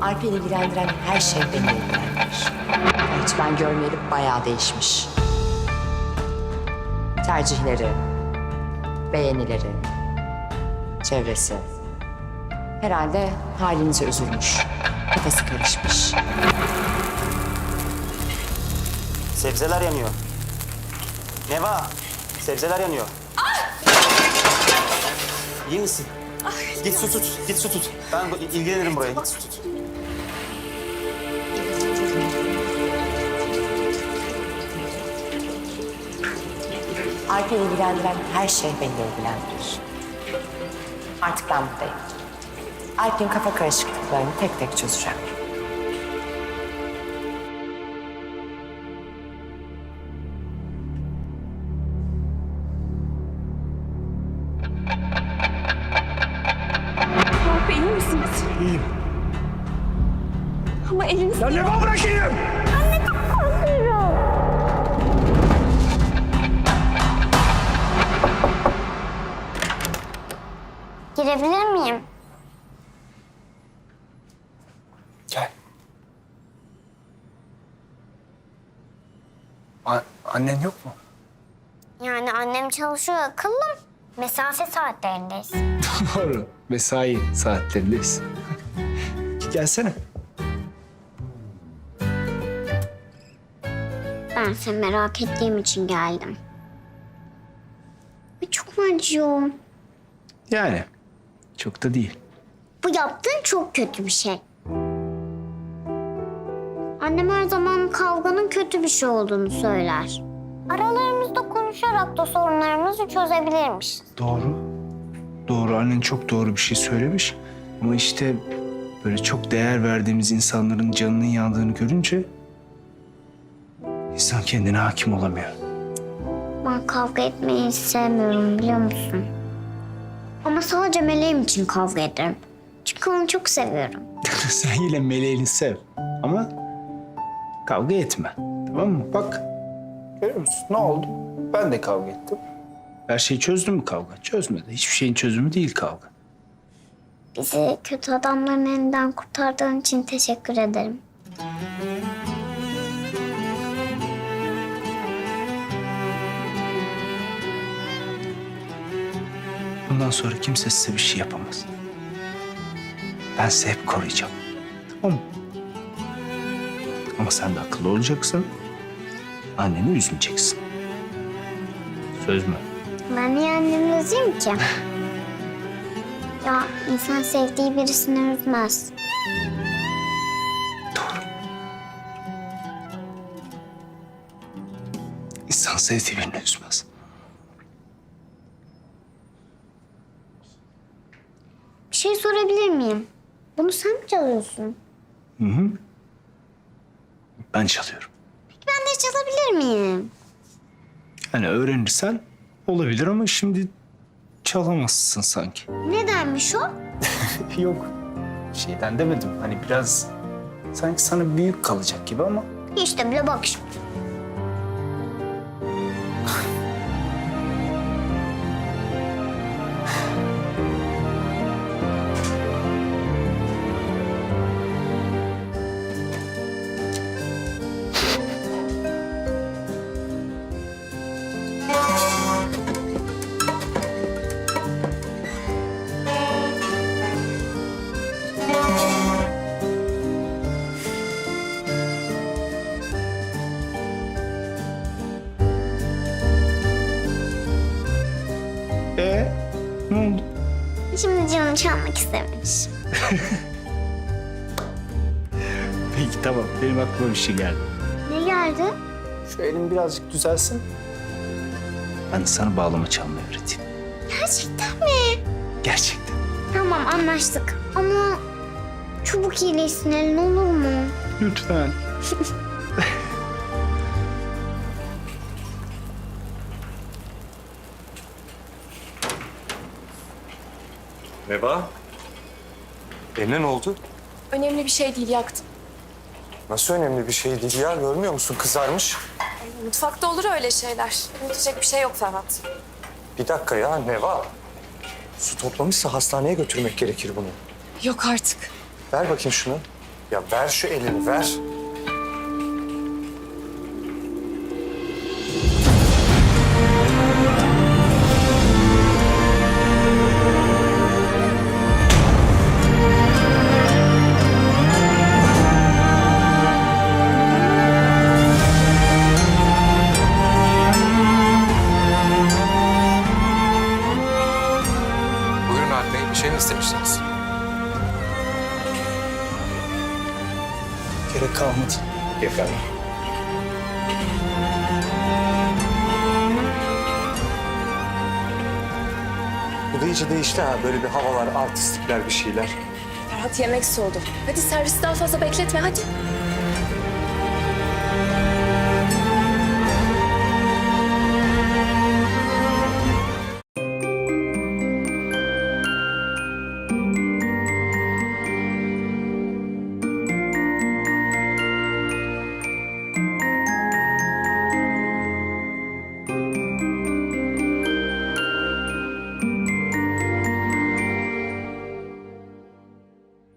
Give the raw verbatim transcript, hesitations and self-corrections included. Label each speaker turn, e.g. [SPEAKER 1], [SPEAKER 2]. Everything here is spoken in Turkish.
[SPEAKER 1] Alp'i ilgilendiren her şey beni ilgilendirir. Hiç ben görmeyeli bayağı değişmiş. Tercihleri, beğenileri, çevresi. Herhalde halinize üzülmüş. Kafası karışmış.
[SPEAKER 2] Sebzeler yanıyor. Neva, sebzeler yanıyor. İyi misin? Git su tut, git su tut. Ben bu- ilgilenirim buraya, git su tut.
[SPEAKER 1] Alp'i ilgilendiren her şey beni ilgilendirir. Artık ben buradayım. Alp'in kafa karışıklıklarını tek tek çözeceğim.
[SPEAKER 3] Alp iyi misiniz?
[SPEAKER 4] İyiyim.
[SPEAKER 3] Ama eliniz...
[SPEAKER 4] Ya Neva bırakayım!
[SPEAKER 5] Girebilir miyim?
[SPEAKER 4] Gel. A- annen yok mu?
[SPEAKER 5] Yani annem çalışıyor akıllım. Mesafe saatlerindeyiz.
[SPEAKER 4] Doğru. Mesai saatlerindeyiz. Gelsene.
[SPEAKER 5] Ben seni merak ettiğim için geldim. Ve çok mu acıyor?
[SPEAKER 4] Yani çok da değil.
[SPEAKER 5] Bu yaptığın çok kötü bir şey. Annem her zaman kavganın kötü bir şey olduğunu söyler. Aralarımızda konuşarak da sorunlarımızı çözebilirmişiz.
[SPEAKER 4] Doğru. Doğru. Annen çok doğru bir şey söylemiş. Ama işte böyle çok değer verdiğimiz insanların canının yandığını görünce insan kendine hakim olamıyor.
[SPEAKER 5] Ben kavga etmeyi hiç sevmiyorum biliyor musun? Ama sadece meleğim için kavga ederim. Çünkü onu çok seviyorum.
[SPEAKER 4] Sen yine meleğini sev ama kavga etme. Tamam mı? Bak. Görüyor musun? Ne oldu? Ben de kavga ettim. Her şeyi çözdü mü kavga? Çözmedi. Hiçbir şeyin çözümü değil kavga.
[SPEAKER 5] Bizi kötü adamların elinden kurtardığın için teşekkür ederim.
[SPEAKER 4] Bundan sonra kimse size bir şey yapamaz. Ben sizi hep koruyacağım. Tamam mı? Ama sen de akıllı olacaksın. Anneni üzmeyeceksin. Söz mü?
[SPEAKER 5] Ben niye annemi üzeyim ki? Ya insan sevdiği birisini üzmez.
[SPEAKER 4] Doğru. İnsan sevdiği birini üzmez.
[SPEAKER 5] Bir şey sorabilir miyim? Bunu sen mi çalıyorsun?
[SPEAKER 4] Hı hı. Ben çalıyorum.
[SPEAKER 5] Ben de çalabilir miyim?
[SPEAKER 4] Yani öğrenirsen olabilir ama şimdi çalamazsın sanki.
[SPEAKER 5] Nedenmiş o?
[SPEAKER 4] Yok. Şeyden demedim. Hani biraz sanki sana büyük kalacak gibi ama
[SPEAKER 5] İşte bile bak şimdi.
[SPEAKER 4] Ee, ne oldu?
[SPEAKER 5] Şimdi canım çalmak istemiş.
[SPEAKER 4] Peki tamam. Benim aklıma bir şey geldi.
[SPEAKER 5] Ne geldi?
[SPEAKER 4] Şu elim birazcık düzelsin. Ben de sana bağlama çalmayı öğreteyim.
[SPEAKER 5] Gerçekten mi?
[SPEAKER 4] Gerçekten.
[SPEAKER 5] Tamam anlaştık. Ama çabuk iyileşsin elin olur mu?
[SPEAKER 4] Lütfen.
[SPEAKER 6] Neva? Eline ne oldu?
[SPEAKER 3] Önemli bir şey değil, yaktım.
[SPEAKER 6] Nasıl önemli bir şey değil ya? Görmüyor musun? Kızarmış.
[SPEAKER 3] Mutfakta olur öyle şeyler. Unutacak bir şey yok Ferhat.
[SPEAKER 6] Bir dakika ya Neva. Su toplamışsa hastaneye götürmek gerekir bunu.
[SPEAKER 3] Yok artık.
[SPEAKER 6] Ver bakayım şunu. Ya ver şu elini ver.
[SPEAKER 7] Buyurun Alp Bey, bir şey mi istemiştiniz?
[SPEAKER 4] Gerek kalmadı.
[SPEAKER 7] Efendim?
[SPEAKER 6] Bu da iyice değişti ha. Böyle bir havalar, artistlikler, bir şeyler.
[SPEAKER 3] Ferhat yemek soğudu. Hadi servisi daha fazla bekletme hadi.